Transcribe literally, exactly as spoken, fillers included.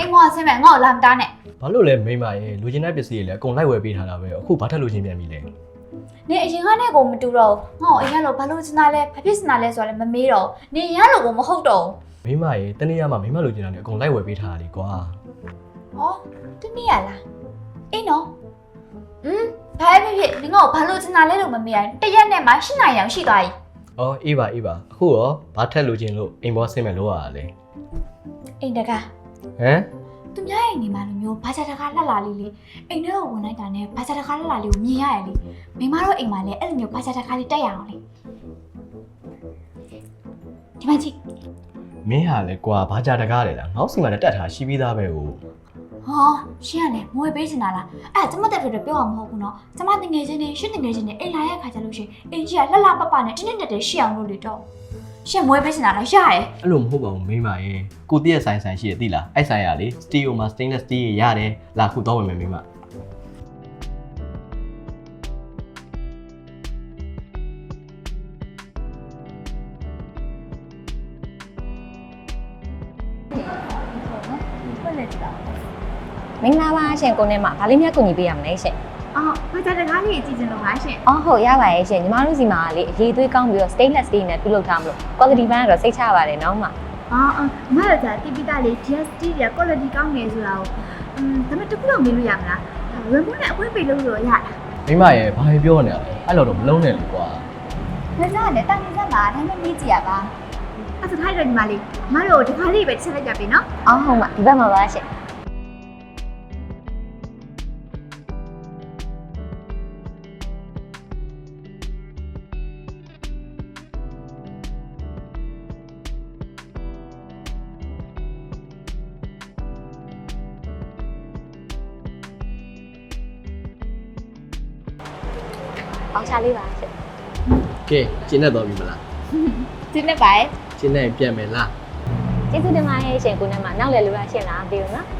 မောဆင်းမယ်ငါ့ကိုလာမတားနဲ့ဘာလို့လဲမိမရဲ့လူချင်းတဲ့ပစ္စည်းတွေလည်းအကုန်လိုက်ဝယ်ပေးထားတာပဲအခုဘာထက်လူချင်းပြန်ပြီလဲနေအရင်ကနဲ့ကိုမတူတော့ငါ့ကိုအရင်လိုဘာလို့စနာလဲဘာဖြစ်စနာလဲဆိုတော့လည်းမမေးတော့နေရလို့ကိုမဟုတ်တော့မိမရဲ့တနေ့ရမှာမိမလူချင်းတာလည်းအကုန်လိုက်ဝယ်ပေးထားတာလေကွာဟောတနေ့ရလားအေးနော်อืมဘာဖြစ်ဖြစ်နေငါ့ကိုဘာလို့စနာလဲလို့မမေးရင်တရက်နဲ့မှရှင်းနိုင်အောင်ရှိသွားပြီအော်အေးပါအေးပါအခုရောဘာထက်လူချင်းလို့အိမ်ဘောဆင်းမယ်လို့ရတာလေအိမ်တကားဟမ်သူများရဲ့နေမှာလိုမျိုးဘာသာတကားလှလာလေးလေးအိမ်ထဲကိုဝင်လိုက်တာနဲ့ဘာသာတကားလှလာလေးကိုမြင်ရရလေမိမတို့အိမ်မှာလည်းအဲ့လိုမျိုးဘာသာတကားလေးတက်ရအောင်လေဒီမှာကြည့်မင်းဟာလေကွာဘာကြတကားလေလားငေါ့စီမှာလည်းတက်ထားရှိပြီးသားပဲဟိုဟောရှင်းရလေမွေပေးချင်တာလားအဲ့ကျမတက်ပြတော့ပြောအောင်မဟုတ်ဘူးနော်ကျမတငယ်ချင်းနဲ့ရှင်းတငယ်ချင်းနဲ့အိမ်လာရဲ့ခါကျလို့ရှိရင်အိမ်ကြီးကလှလှပပနဲ့တင်းတင်းတက်တက်ရှိအောင်လုပ်လေတော့ရှင်းမွေပေးချင်တာလားရတယ်အဲ့လိုမဟုတ်ပါဘူးမိမရဲ့ကိုတည့်ရဲ့ဆိုင်ဆိုင်ရှိရသိလားအဲ့ဆိုင်ရလေစတီယိုမှာ stainless steel ရတယ်လာခုတော့ဝင်မယ်မိမမင်္ဂလာပါရှင်ကိုနေမှာဗာလေးမြတ်ကူညီပေးရမလဲရှင်အော်ဘာသာတကားလေးကြည့်ချင်လို့ပါရှင်အော်ဟုတ်ရပါရဲ့ရှင်ညီမတို့စီမှာလေအရေးသွေးကောင်းပြီးတော့ stainless steel နဲ့ပြုလုပ်ထားမလို့ quality ဘန်းကတော့စိတ်ချပါတယ်နော်မအော်အမတို့ကတိပိတာလေး G S T ရဲ့ quality ကောင်းနေဆိုတာကိုอืมဒါပေမဲ့တခုတော့မေးလို့ရမလားဝင်ဖို့နဲ့အခွင့်ပေးလို့ဆိုရရမိမရဲ့ဘာပြောနေရလဲအဲ့လိုတော့မလုံးနဲ့လေကွာဒါကြောင့်လည်းတာနေစမ်းပါဒါနဲ့မေးကြည့်ရပါအဲ့ဒါထိုက်တယ်ညီမလေးမတို့ဒီခါလေးပဲချက်လိုက်ကြပြီနော်အော်ဟုတ်မှာဒီဘက်မှာပါရှင်အောင်ချလေးပါရှင်ကဲကျင်းနေတော့ပြီမလားဒီနေ့ပါကျင်းနေပြန်မယ်လားကျေးဇူးတင်ပါတယ်ရှင်ကိုနေမှာနောက်လည်းလိုရရှင်လားမသိဘူးနော်